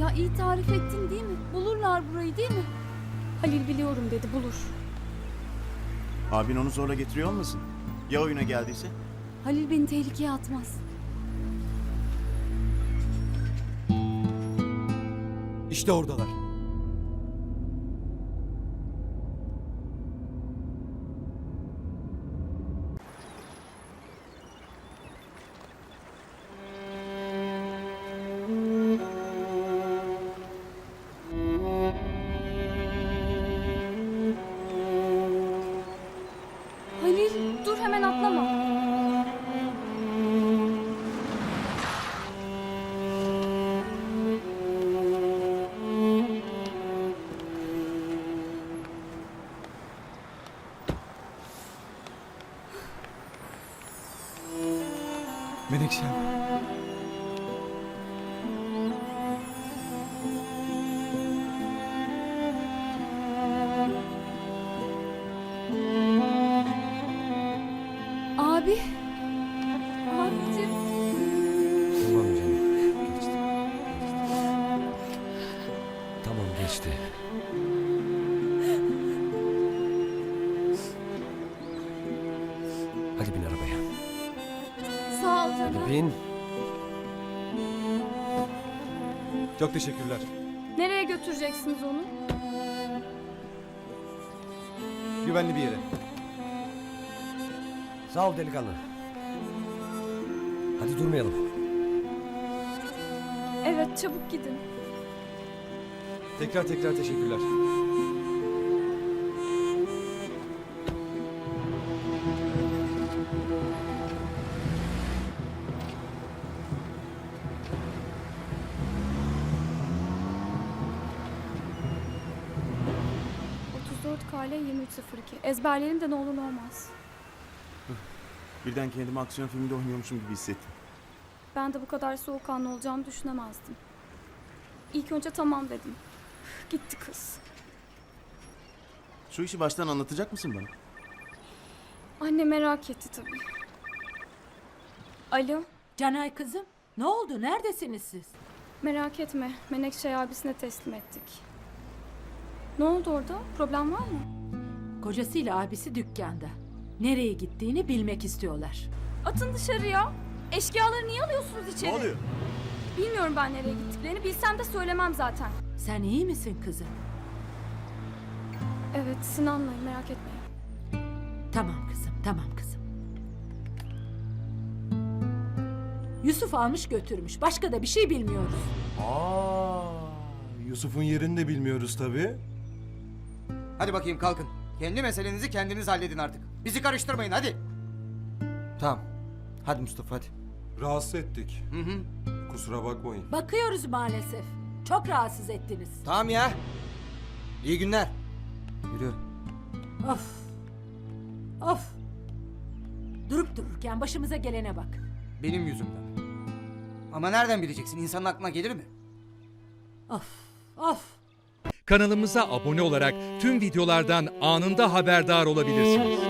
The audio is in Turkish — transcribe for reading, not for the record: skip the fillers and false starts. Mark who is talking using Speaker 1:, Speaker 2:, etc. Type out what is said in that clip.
Speaker 1: Ya iyi tarif ettin değil mi? Bulurlar burayı değil mi? Halil biliyorum dedi, bulur.
Speaker 2: Abin onu zorla getiriyor olmasın? Ya oyuna geldiyse?
Speaker 1: Halil beni tehlikeye atmaz.
Speaker 3: İşte oradalar.
Speaker 1: Halil dur, hemen atlama.
Speaker 3: Menekşem.
Speaker 1: Abi. Abicim.
Speaker 4: Tamam canım. Geçti. Tamam geçti. Hadi bin arabaya.
Speaker 1: Sağ ol canım.
Speaker 4: Hadi bin.
Speaker 3: Çok teşekkürler.
Speaker 1: Nereye götüreceksiniz onu?
Speaker 3: Güvenli bir yere.
Speaker 4: Sağ ol delikanlı. Hadi durmayalım.
Speaker 1: Evet, çabuk gidin.
Speaker 3: Tekrar teşekkürler.
Speaker 1: KL 2302. Ezberlerim de ne olur ne olmaz.
Speaker 2: Birden kendimi aksiyon filminde oynuyormuşum gibi hissettim.
Speaker 1: Ben de bu kadar soğukkanlı olacağımı düşünemezdim. İlk önce tamam dedim. Gitti kız.
Speaker 2: Şu işi baştan anlatacak mısın bana?
Speaker 1: Anne merak etti tabii. Alo,
Speaker 5: Canay kızım, ne oldu? Neredesiniz siz?
Speaker 1: merak etme. Menekşe'yi abisine teslim ettik. Ne oldu orada? Problem var mı?
Speaker 5: Kocasıyla abisi dükkanda. Nereye gittiğini bilmek istiyorlar.
Speaker 1: Atın dışarıya. Eşkıyaları niye alıyorsunuz içeri?
Speaker 2: Ne oluyor?
Speaker 1: Bilmiyorum ben nereye gittiklerini. Bilsem de söylemem zaten.
Speaker 5: Sen iyi misin kızım?
Speaker 1: Evet, Sinan'layım, merak etmeyin.
Speaker 5: Tamam kızım, tamam kızım. Yusuf almış götürmüş. Başka da bir şey bilmiyoruz.
Speaker 6: Yusuf'un yerini de bilmiyoruz tabii.
Speaker 7: Hadi bakayım kalkın. Kendi meselenizi kendiniz halledin artık. Bizi karıştırmayın hadi. Tamam. Hadi Mustafa hadi.
Speaker 6: Rahatsız ettik.
Speaker 7: Hı hı.
Speaker 6: Kusura bakmayın.
Speaker 5: Bakıyoruz maalesef. Çok rahatsız ettiniz.
Speaker 7: Tamam ya. İyi günler. Yürü.
Speaker 5: Of. Of. Durup dururken başımıza gelene bak.
Speaker 7: Benim yüzümden. Ama nereden bileceksin? İnsanın aklına gelir mi?
Speaker 5: Of. Of.
Speaker 8: Kanalımıza abone olarak tüm videolardan anında haberdar olabilirsiniz.